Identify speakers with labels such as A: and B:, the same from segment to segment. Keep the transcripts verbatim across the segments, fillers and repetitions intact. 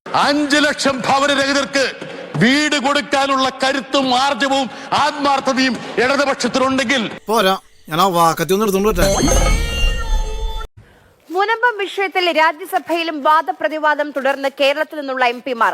A: അഞ്ചു ലക്ഷം ഭവനരഹിതർക്ക് വീട് കൊടുക്കാനുള്ള കരുത്തും ആർജവും ആത്മാർത്ഥതയും ഇടതുപക്ഷത്തിനുണ്ടെങ്കിൽ
B: പോരാ, ഞാൻ ആ വാക്കത്തി ഒന്ന് എടുത്തോണ്ട്
C: മുനമ്പം വിഷയത്തിൽ രാജ്യസഭയിലും വാദപ്രതിവാദം തുടർന്ന് കേരളത്തിൽ നിന്നുള്ള എം പിമാർ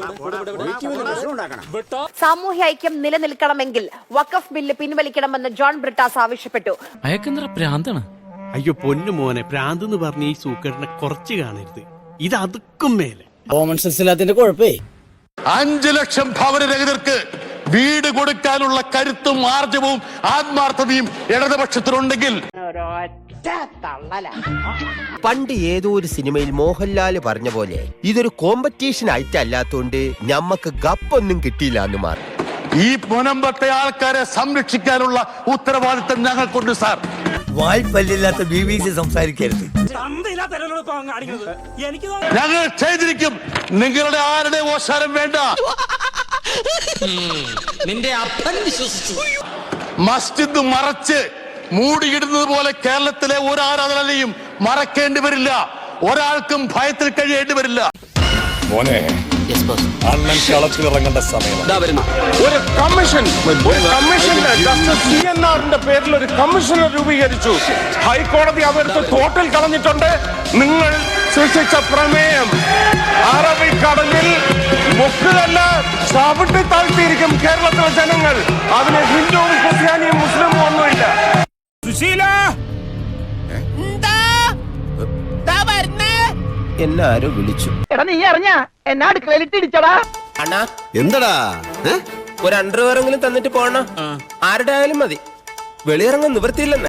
C: സാമൂഹ്യ ഐക്യം നിലനിൽക്കണമെങ്കിൽ വഖഫ് ബില്ല് പിൻവലിക്കണമെന്ന് ജോൺ ബ്രിട്ടാസ് ആവശ്യപ്പെട്ടു.
D: അയ്യോ പൊന്നു മോനെ, പ്രാന്ത് എന്ന് പറഞ്ഞ ഈ സൂക്കറിനെ കുറച്ച് കാണരുത്. ഇത് അതുക്കും മേലെ
B: കോമൺ സെൻസ് ഇല്ലാത്തതിന്റെ കുഴപ്പേ.
A: അഞ്ചു ലക്ഷം ഭവനരഹിതർക്ക് വീട് കൊടുക്കാനുള്ള കരുത്തും ആർജവും ആത്മാർത്ഥതയും ഇടതുപക്ഷത്തിനുണ്ടെങ്കിൽ
E: പണ്ട് ഏതോ ഒരു സിനിമയിൽ മോഹൻലാല് പറഞ്ഞ പോലെ ഇതൊരു കോമ്പറ്റീഷൻ ആയിട്ടല്ലാത്തോണ്ട് ഞമ്മക്ക് ഗപ്പൊന്നും കിട്ടിയില്ല എന്ന് മാറി.
A: ഈ മുനമ്പത്തെ ആൾക്കാരെ സംരക്ഷിക്കാനുള്ള ഉത്തരവാദിത്തം ഞങ്ങൾക്കുണ്ട് സാർ.
F: വായ്പല്ലില്ലാത്ത ബി ബി സി സംസാരിക്കരുത്.
A: ഞങ്ങൾ ചെയ്തിരിക്കും. നിങ്ങളുടെ ആരുടെ ഓശാരം വേണ്ട.
G: നിന്റെ അപ്പൻ വിശ്വസിച്ചു.
A: മസ്ജിദ് മറച്ച് മൂടിയിടുന്നത് പോലെ കേരളത്തിലെ ഒരു ആരാധനയും മറക്കേണ്ടി വരില്ല. ഒരാൾക്കും ഭയത്തിൽ കഴിയേണ്ടി വരില്ല.
H: മോനെ, അണ്ണൻ കളത്തിലിറങ്ങേണ്ട സമയം.
I: ഒരു കമ്മീഷൻ ഒരു കമ്മീഷന്റെ ജസ്റ്റിസ് സി എൻ ആറിന്റെ പേരിൽ ഒരു കമ്മീഷനെ രൂപീകരിച്ചു. ഹൈക്കോടതി അതെടുത്ത് തോട്ടിൽ കളഞ്ഞിട്ടുണ്ട്. നിങ്ങൾ സൃഷ്ടിച്ച പ്രമേയം അറബിക്കടലിൽ മുക്കുകല്ല ചവിട്ടി താഴ്ത്തിയിരിക്കും കേരളത്തിലെ ജനങ്ങൾ. അതിന് ഹിന്ദുവും ക്രിസ്ത്യാനിയും മുസ്ലിമും ഒന്നുമില്ല. സുശീല
E: എന്നെ ആരോ വിളിച്ചു.
J: എടാ നീ അറിഞ്ഞ എന്നാ അടുക്കളയിലിട്ടിടിച്ചടാ.
E: അണ്ണാ
B: എന്താടാ?
E: ഒരു അണ്ടർവെയറെങ്കിലും തന്നിട്ട് പോണ. ആരുടെ ആയാലും മതി. വെളിയിറങ്ങാൻ നിവൃത്തിയില്ലെന്ന്.